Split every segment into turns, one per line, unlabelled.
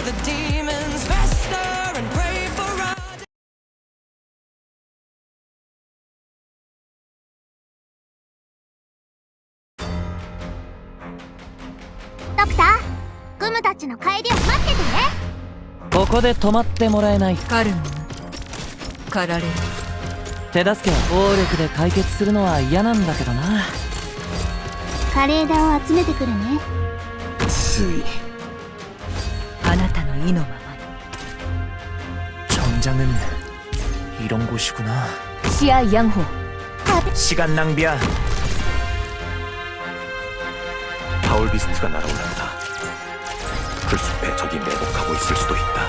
the demons fester and pray for our
ドクター、グムたちの帰りを待っててね。
ここで止まってもらえない。
カルム駆られる。
手助けは暴力で解決するのは嫌なんだけどな。
枯れ枝を集めてくるね。
つい
あなたの意のままに。
정장은 이런 곳이구나.
시야 양호.
시간 낭비야.
파울비스트가 날아올랐다. 풀숲에 적이 매복하고 있을 수도 있다.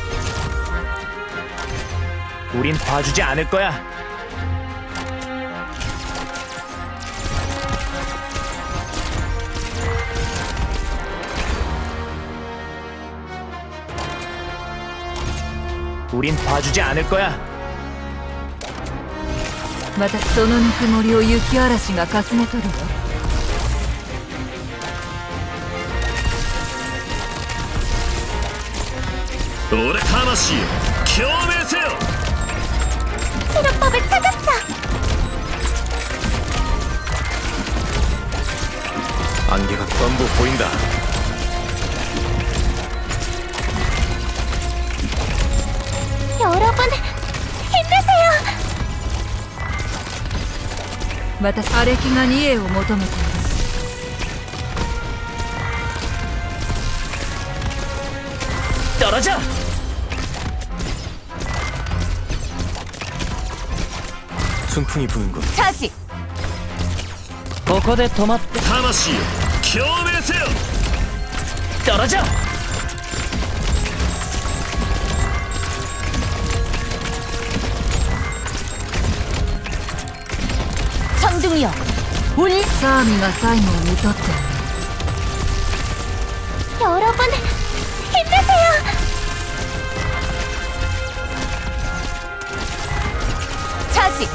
우린 봐주지 않을 거야. 우린 봐주지 않을 거야.
またそのぬくもりを雪嵐がかすめ取るわ。
俺魂を共鳴せよ.
치료법을 찾았어.
안개가 전부 보인다.
여러분, 힘내세요.
また荒れ木が二栄を求めている。
떨어져!
순풍이 부는군.
차지!
ここで止まって。
魂を共鳴せよ.
떨어져!
청둥이여! 우리 싸움이가 사임을 믿었대.
여러분, 힘내세요.
차지!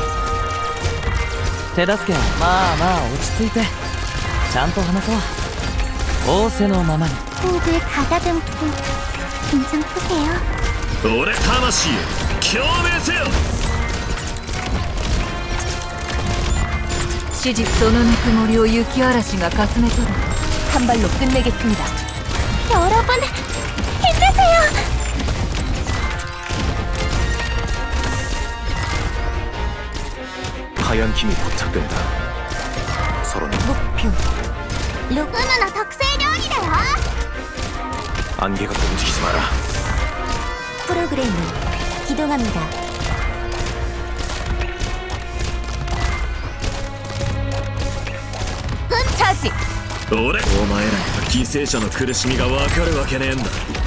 手助けはまあまあ落ち着いて。ちゃんと話そう。仰せのままに。
호흡을 가다듬고 긴장 푸세요.
俺魂を共鳴せよ.
시집 そのぬくもりを雪嵐がかすめ取る。한 발로 끝내겠습니다.
여러분, 힘내세요.
하얀 힘이 포착된다. 서로는
목표.
루그누나特製料理だよ.
안개가 움직이지 마라.
프로그램 기동합니다.
차지!
俺お前らには犠牲者の苦しみが分かるわけねえんだ.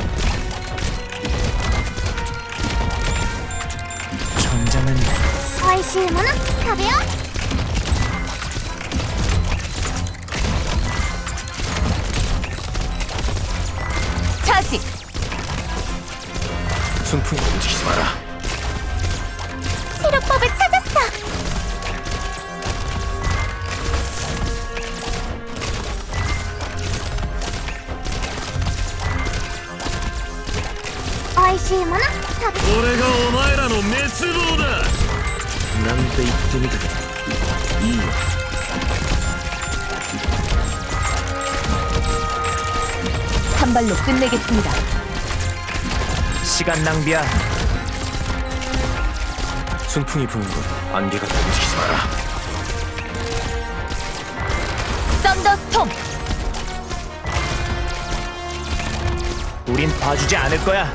정장은
美味しいもの食べよう.
차지!
순풍이 움직이지 마라.
치료법을 찾았어. 오이시이もの食べ.
俺がお前らの滅亡だ. なんて言ってみたけどいいよ.
한 발로 끝내겠습니다.
시간 낭비야.
순풍이 부는군. 안개가 움직이지 마라.
썬더스톰!
우린 봐주지 않을 거야.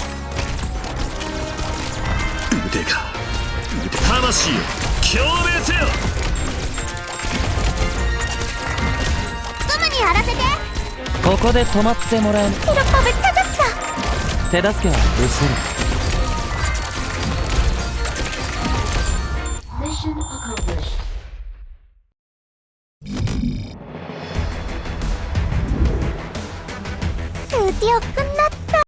의대가魂を共鳴せよ.
グムにやらせて.
ここで止まってもらえない。
치료법을 찾았어.
手助けは失せる。